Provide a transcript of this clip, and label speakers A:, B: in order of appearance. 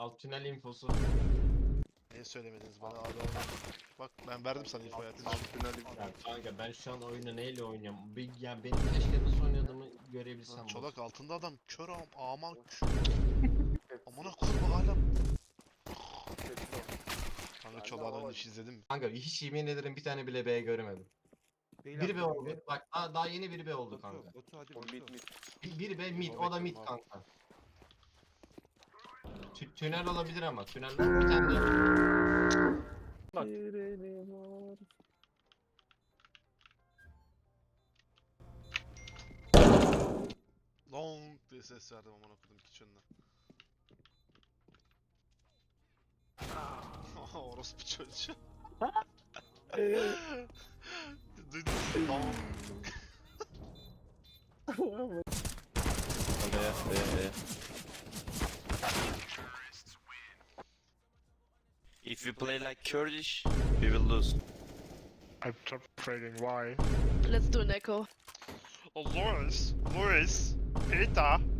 A: Alt tünel infosu.
B: Niye söylemediniz bana abi? Bak ben verdim sana info hayatım.
A: Ya kanka ben şu an oyunu neyle oynuyorum? Ya benim keşke nasıl oynadığımı görebilsem.
B: Lan
A: bu.
B: Çolak altında adam kör aman kör. Amına koyma hala. Kanka Çolak'ın oyunu hiç izledin mi?
A: Kanka hiç yemin ederim bir tane bile B göremedim. Biri B oldu. Bak daha yeni biri B oldu kanka.
C: Batu hadi
D: O
C: Batu.
D: mid mid.
A: Biri B mid,
B: İnfo
A: o da mid
B: bekliyorum abi.
A: kanka. Tünel olabilir ama tünel bir tane de. Bak.
B: Long diye ses verdim amına koydum kitchen'dan. Orospu çocuğu. Duydun mu? Long.
E: If we play like Kurdish, we will lose.
F: I'm top trading. Why?
G: Let's do an echo.
B: Oh, Loris, Peta.